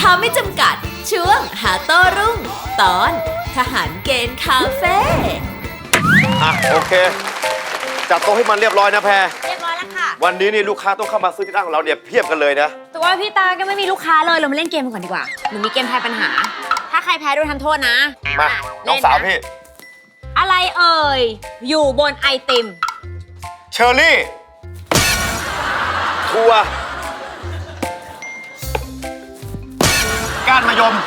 าไม่จำกัดช่วงหาโต้รุ่งตอนทหารเกณฑ์คาเฟ่โอเคจัดโต๊ะให้มันเรียบร้อยนะแพรเรียบร้อยแล้วค่ะวันนี้นี่ลูกค้าต้องเข้ามาซื้อที่ร้านของเราเนี่ยเพียบกันเลยนะแต่ว่าพี่ตาก็ไม่มีลูกค้าเลยเรามาเล่นเกมกันก่อนดีกว่าหนูมีเกมทายปัญหาถ้าใครแพ้โดนทำโทษนะมาน้องสาวพี่อะไรเอ่ยอยู่บนไอติมเชอร์รี่ถั่วก้านมะยม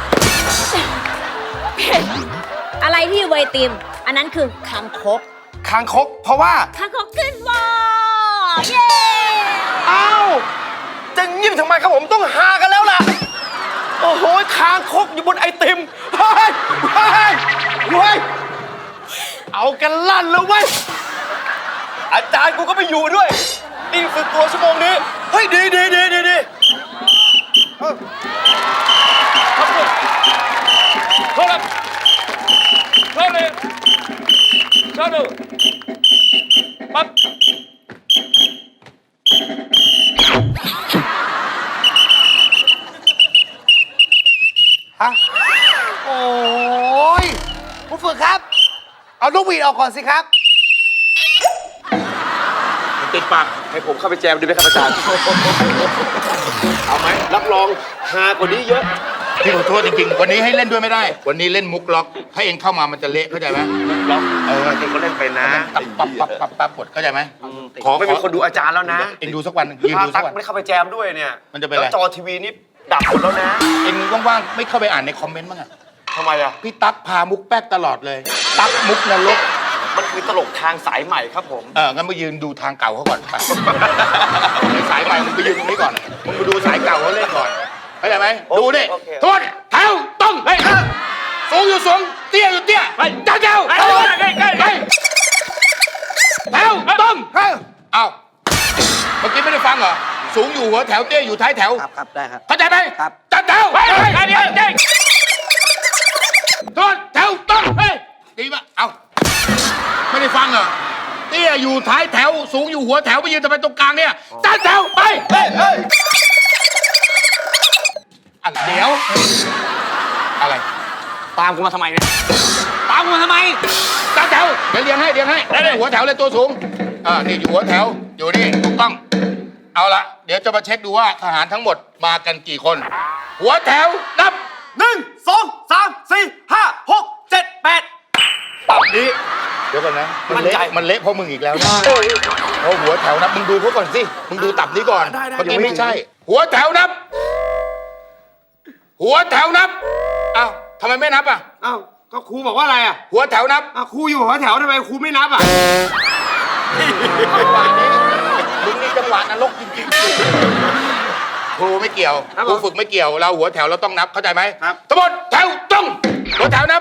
อะไรที่อยู่บนไอติมอันนั้นคือคางคกคางคกเพราะว่าคางคกขึ้นวอเย้อ้าวจะยิ้มทำไมครับผมต้องหากันแล้วล่ะโอ้โหคางคกอยู่บนไอติมเฮ้ยเฮ้ยเฮ้ยเอากันลั่นแล้วเว้ยอาจารย์กูก็ไม่อยู่ด้วยนี่ฝึกตัวชั่วโมงนี้เฮ้ยดีโทษครับโทษเลยโทษดูปั๊บฮะโอ้ยผู้ฝึกครับเอาลูกหวีดออกก่อนสิครับติดปากให้ผมเข้าไปแจมดีไหมครับอาจารย์เอาไหมรับรองฮากว่านี้เยอะพี่ขอโทษจริงๆวันนี้ให้เล่นด้วยไม่ได้วันนี้เล่นมุกล็อกถ้าเองเข้ามามันจะเละเข้าใจไหมล็อกจริงเขาเล่นเป็นนะปั๊บกดเข้าใจไหมขอไม่มีคนดูอาจารย์แล้วนะเองดูสักวันยืนดูสักวันไม่เข้าไปแจมด้วยเนี่ยมันจะเป็นอะไรจอทีวีนี่ดับหมดแล้วนะเองว่างๆไม่เข้าไปอ่านในคอมเมนต์บ้างอะทำไมอะพี่ตั๊กพามุกแป๊กตลอดเลยตั๊กมุกนรกมันคือตลกทางสายใหม่ครับผมงั้นมายืนดูทางเก่าเขาก่อนไปสายใหม่มึงไปยืนตรงนี้ก่อนมึงไปดูสายเก่าเขาเล่นก่อนเข้าใจไหมดูดิทวนแถวต้องเฮ้ยสูงอยู่สูงเตี้ยอยู่เตี้ยไปเจ้าไปแถวต้องเอาเมื่อกี้ไม่ได้ฟังเหรอสูงอยู่หัวแถวเตี้ยอยู่ท้ายแถวครับได้ครับเข้าใจไหมครับจัดแถวเดี๋ยวทวนแถวต้องเฮ้ยดีป่ะเอาไม่ได้ฟังเหรอเตี้ยอยู่ท้ายแถวสูงอยู่หัวแถวไปยืนทำไมตรงกลางเนี่ยจัดแถวไปเดี๋ยวอะไรตามกูมาทำไมเนี่ยตามกูมาทำไมจัดแถวเดี๋ยวเรียงให้หัวแถวเลยตัวสูงนี่อยู่หัวแถวอยู่นี่ถูกต้องเอาละเดี๋ยวจะมาเช็คดูว่าทหารทั้งหมดมากันกี่คนหัวแถวนับ 1 2 3 4 5 6 7 8ตับนี้เดี๋ยวก่อนนะมันเละเพราะมึงอีกแล้วนะเพราะหัวแถวนับมึงดูเขาก่อนสิมึงดูตับนี้ก่อนเมื่อกี้ไม่ใช่หัวแถวนับหัวแถวนับอ้าวทำไมไม่นับอ่ะอ้าวก็ครูบอกว่าอะไรอ่ะหัวแถวนับครูอยู่หัวแถวทำไมครูไม่นับอ่ะมึงนี่จังหวะนรกจริงๆครูไม่เกี่ยวครูฝึกไม่เกี่ยวเราหัวแถวเราต้องนับเข้าใจไหมครับทั้งหมดแถวตรงหัวแถวนับ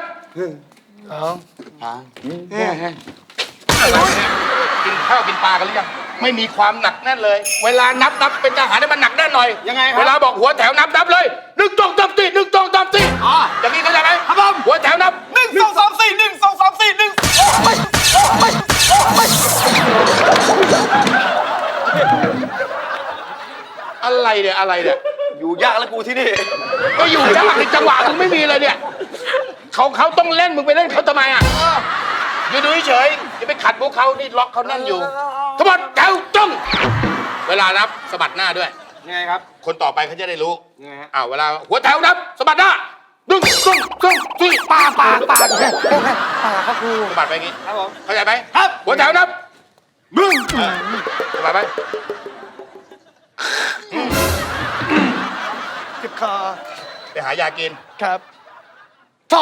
กินข้าวกินปลากันหรือยังไม่มีความหนักแน่นเลยเวลานับเป็นทหารให้มันหนักแน่นหน่อยยังไงครับเวลาบอกหัวแถวนับเลย1 2 3 4 1 2 3 4อย่างนี้เข้าใจไหมครับผมหัวแถวนับ 1 2 3 4 1 2 3 4 1 อะไรเนี่ยอยู่ยากแล้วกูที่นี่ก็อยู่ยากในจังหวะมึงไม่มีเลยเนี่ยเขาต้องเล่นมึงไปเล่นเขาทำไมอ่ะอยู่ดูเฉยอย่าไปขัดพวกเขานี่ล็อกเขาแน่นอยู่ทั้งหมดแถวตรงเวลานับสะบัดหน้าด้วยยังไงครับคนต่อไปเขาจะได้รู้ยังไงฮะเวลาหัวแถวนับสะบัดหน้า1 2 3 4ปาครับครูสะบัดไปอย่างงี้ครับผมเข้าใจไหมครับหัวแถวนับสะบัดไปเจ็บคอไปหายากินครับ2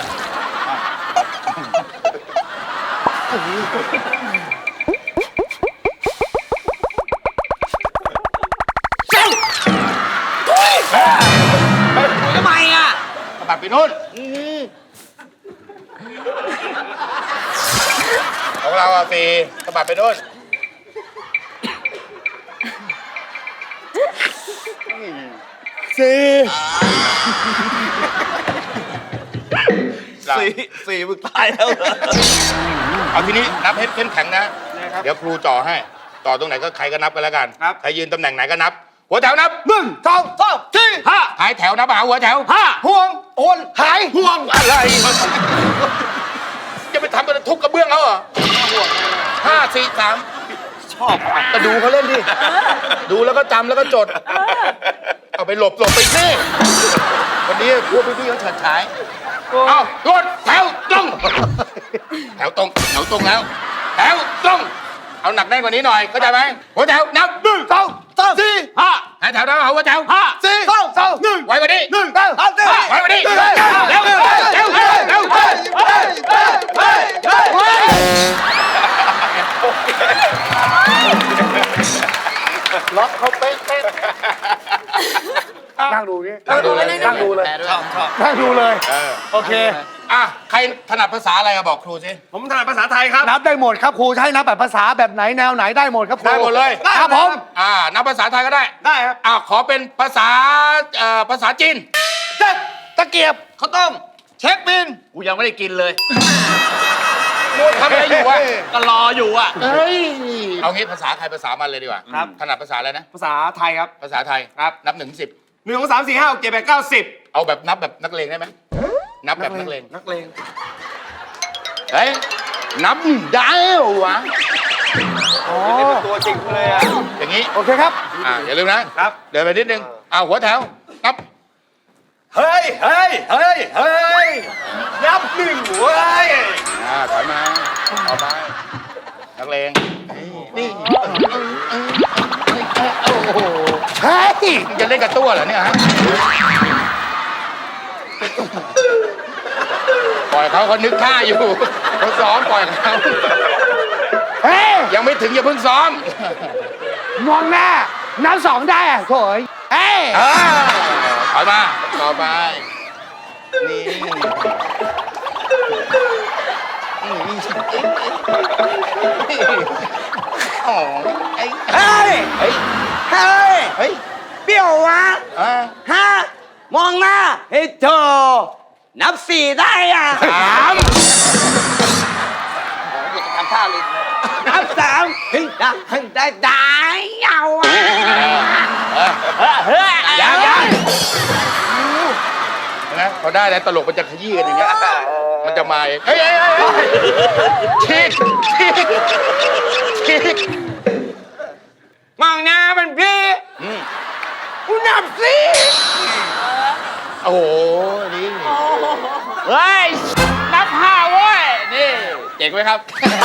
ทำไมอ่ะสะบัดไปนู่นของเรา4สะบัดไปนู่นสี่มึงตายแล้วเหรอเอาทีนี้นับให้เข้มแข็งนะเดี๋ยวครูจ่อให้ต่อตรงไหนก็ใครก็นับกันแล้วกันใครยืนตำแหน่งไหนก็นับหัวแถวนับ 1 2 3 4 ท้ายแถวนับหาหัวแถวห่วงโอนหายห่วงอะไร จะไปทำเป็นทุกกระเบื้องเขาเหรอ5 4 3 ชอบก็ดูเขาเล่นดิ ดูแล้วก็จำแล้วก็จด เอาไปหลบไปสิวันนี้พวกพี่ๆเขาเฉิดฉาย เอารถแถวตรง แถวตรงแล้ว แถวตรง เอาหนักแน่นกว่านี้หน่อย เข้าใจไหมหัวแถวนับ 1 2 3 4 5แถวนับหัวแถว 4 2 2 1 ไว้กว่านี้ 1 2 3 4 ไว้กว่านี้เร็วเร็วเร็วล็อกเขาเป๊ะนั่งดูนี่นั่งดูเลยนั่งดูเลยชอบนั่งดูเลย โอเคอ่ะใครถนัดภาษาอะไรอะบอกครูสิผมถนัดภาษาไทยครับนับได้หมดครับครูจะให้นับแบบภาษาแบบไหนแนวไหนได้หมดครับครูได้หมดเลยครับผมนับภาษาไทยก็ได้ได้ครับขอเป็นภาษาจีนตะเกียบข้าวต้ม เช็คบินกูยังไม่ได้กินเลยมัวทำอะไรอยู่วะก็รออยู่อ่ะเอ้ย เอางี้ภาษาใครภาษามันเลยดีกว่าครับถนัดภาษาอะไรนะภาษาไทยครับภาษาไทยครับนับ1 ถึง 10 1 2 3 4 5 6 7 8 9 10 เอาแบบนับแบบนักเลงได้ไหมนับแบบนักเลงนักเลงเฮ้ย นับได้เหรอวะอ๋อนี่เป็นตัวจริงเลยอ่ะอย่างนี้โอเคครับอย่าลืมนะครับ เดินไปนิดนึงหัวแถว นับเฮ้ยนับหนึ่งเว้ยถอยมาเอาไปนักเลงนี่เฮ้ยมึงจะเล่นกับตัวเหรอเนี่ยฮะ ปล่อยเขานึกท่าอยู่เขาซ้อมปล่อยเขาเฮ้ยยังไม่ถึงอย่าเพิ่งซ้อมมองหน้านับ2ได้อะโถยเฮ้ยถอยมาต่อไป นี่โอ้ไอ้เฮ้ยเฮ้ยเฮ้ยเฮ้ยเปรี้ยววะอ่ะฮะ มองหน้าเฮ้ยเธอนับ4ได้อ่ะ 3 ทำท่าเลยนับ3เฮ้ยได้เอาอ่ะเฮ้ยยังนะพอได้แล้วตลกมันจะขยี้กันอย่างเงี้ยมันจะมาเองเฮ้ยชิกมองหน้ามันพี่กูนับสิโอ้โหนี่เฮ้ยนับ5เว้ยนี่เจ๋งไหมครับ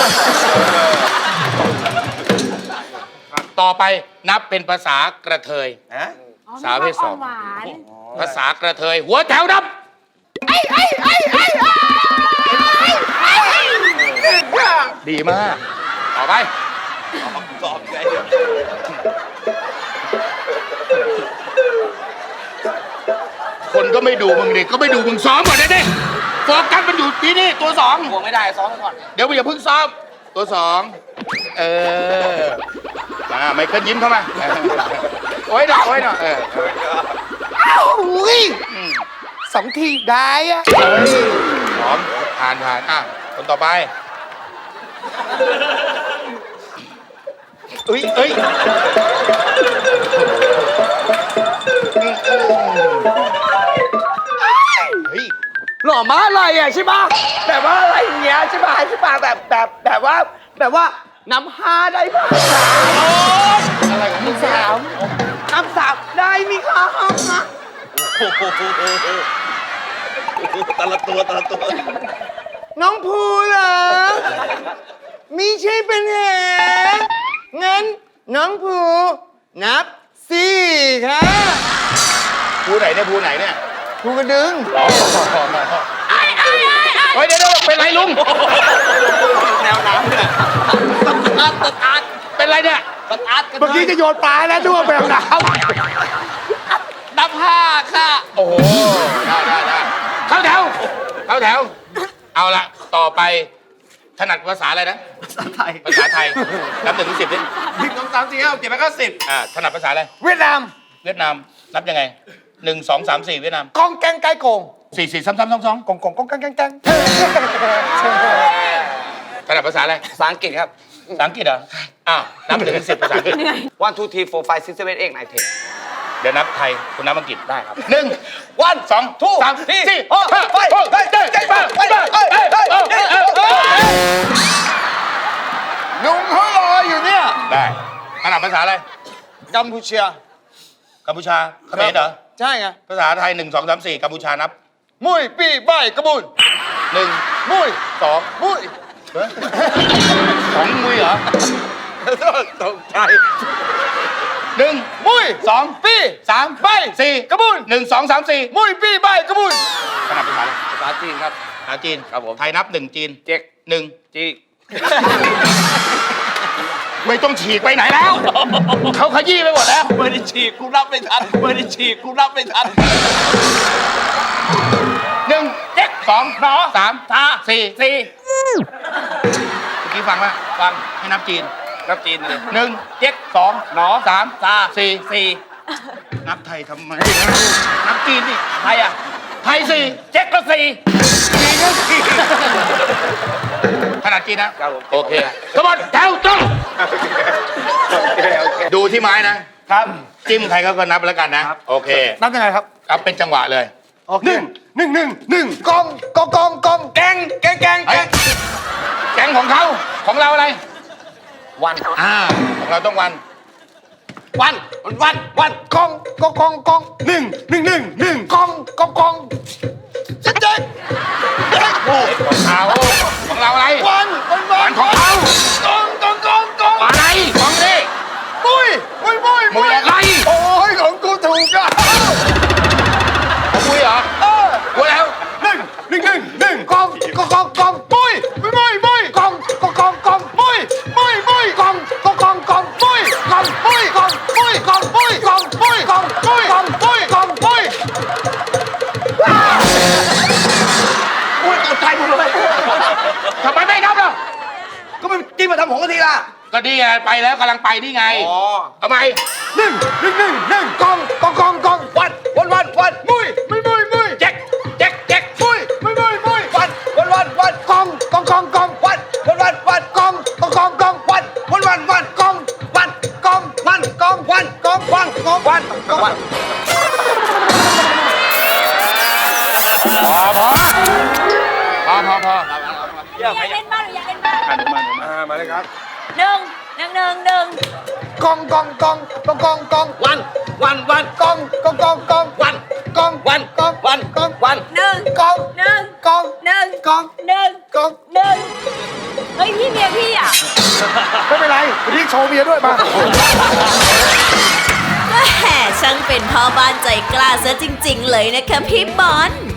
ต่อไปนับเป็นภาษากระเทย สาวเพศ 2 หวานภาษากระเทย หัวแถวนับดีมาก ต่อไป คนก็ไม่ดูมึงดิ ก็ไม่ดูมึงซ้อมก่อนดิโฟกัสมันอยู่ที่นี่ตัว2 ห่วงไม่ได้ซ้อมก่อนเดี๋ยวมึงอย่าเพิ่งซ้อม ตัว2ไมเคิลยิ้มเข้ามาโอ้ยหน่อยอุ้ย2 ทีได้อะพร้อมผ่านคนต่อไปเอ้ยเฮ้ยหล่อมาอะไรอ่ะใช่ป่ะแบบว่าอะไรอย่างเงี้ยใช่ป่ะแบบว่านับ5ได้ป่ะอะไรของมึงนับ3ได้มีครับแต่ละตัวน้องภูเหรอมีใช่เป็นเหรองั้นน้องภูนับ4ค่ะภูไหนเนี่ยภูกระดึงเฮ้ยเดี๋ยวเป็นไรลุงแนวน้ำเนี่ยสตาร์ทเป็นไรเนี่ยสตาร์ทกันเมื่อกี้จะโยนปลาแล้วด้วยแบบน้นับ5ค่ะโอ้โห ได้เข้าแถว เอาละต่อไปถนัดภาษาอะไรนะภาษาไทยภาษาไทย นับ1 ถึง 10ดิ 1 2 3 4 5 6 7 8 9 10 ถนัดภาษาอะไรำเวียดนามเวียดนาม นับยังไง 1 2 3 4 เวียดนามกองแกงไก่โกง 4 4 3 3 2 2 กองแกงถนัดภาษาอะไรภาษาอังกฤษครับภาษาอังกฤษเหรอ นับ1 ถึง 10ภาษาอังกฤษ 1 2 3 4 5 6 7 8 9 10 เดี๋ยวนับไทยคุณนับอังกฤษได้ครับ 1 1 2 2 3 4 ไปลุงเขารออยู่เนี่ยได้ขนาดภาษาอะไรกัมพูชากัมพูชาเขมรเหรอใช่ไงภาษาไทย 1 2 3 4กัมพูชานับมุ้ยปี้ใบกระบุน 1 มุ้ย 2 มุ้ยของมือเหรอตกใจ 1 มุ้ย 2 ปี้ 3 ใบ 4 กระบุน 1 2 3 4 มุ้ยปี้ใบกระบุนขนาดภาษาอะไรภาษาจีนครับภาษาจีนครับผมไทยนับ 1 จีนเจ๊ก 1 จีกไม่ต้องฉีกไปไหนแล้ว เขาขยี้ไปหมดแล้วไม่ได้ฉีกกูรับไม่ทันไม่ได้ฉีกกูรับไม่ทัน 1 เจ๊ก 2 หนอ 3 ทา 4 สี่เมื่อกี้ฟังว่าฟังให้นับจีนรับจีนเลย 1 เจ๊ก 2 หนอ 3 ทา 4 สี่นับไทยทำไม นับจีนดิไทยอ่ะไทยสี่เจ๊กก็สี่จีนก็สี่ขนาดจีนนะครับผมโอเคสมบัติแถวตรงดูที่ไม้นะครับจิ้มใครเขาก็นับแล้วกันนะ โอเคนับยังไงครับครับเป็นจังหวะเลยโอเค1 กองแกงเฮ้ยแก๊งของเขาของเราอะไรวันของเราต้องวันวันกอง1 กองกองของเขาของเราอะไรวันวันของเขากองอะไรของนี่มุ้ยมึงอะไรโอ้ยของกูถูกอ่ะของมุ้ยเหรอกูแล้วกองมุ้ยกองมุ้ยกองอุ้ยตกใจหมดเลยทำไมไม่นับล่ะก็ไม่จิ้มมาทำผมกันทีละก็ดีไงไปแล้วกำลังไปนี่ไงอ๋อทำไมกองวัน มุ้ยแจ็คมุ้ย วันกองวันวันพออยากเล่นบ้างหรืออยากเล่นบ้างมาเลยครับหนึ่งกองวันกองวันวันวันกองหนึ่งกองหนึ่งกองหนึ่งกองหนึ่งกองหนึ่งเฮ้ยพี่เมียพี่อ่ะไม่เป็นไรวันนี้โชว์เมียด้วยมาก็แห่ช่างเป็นพ่อบ้านใจกล้าซะจริง ๆ เลยนะคะพี่บอล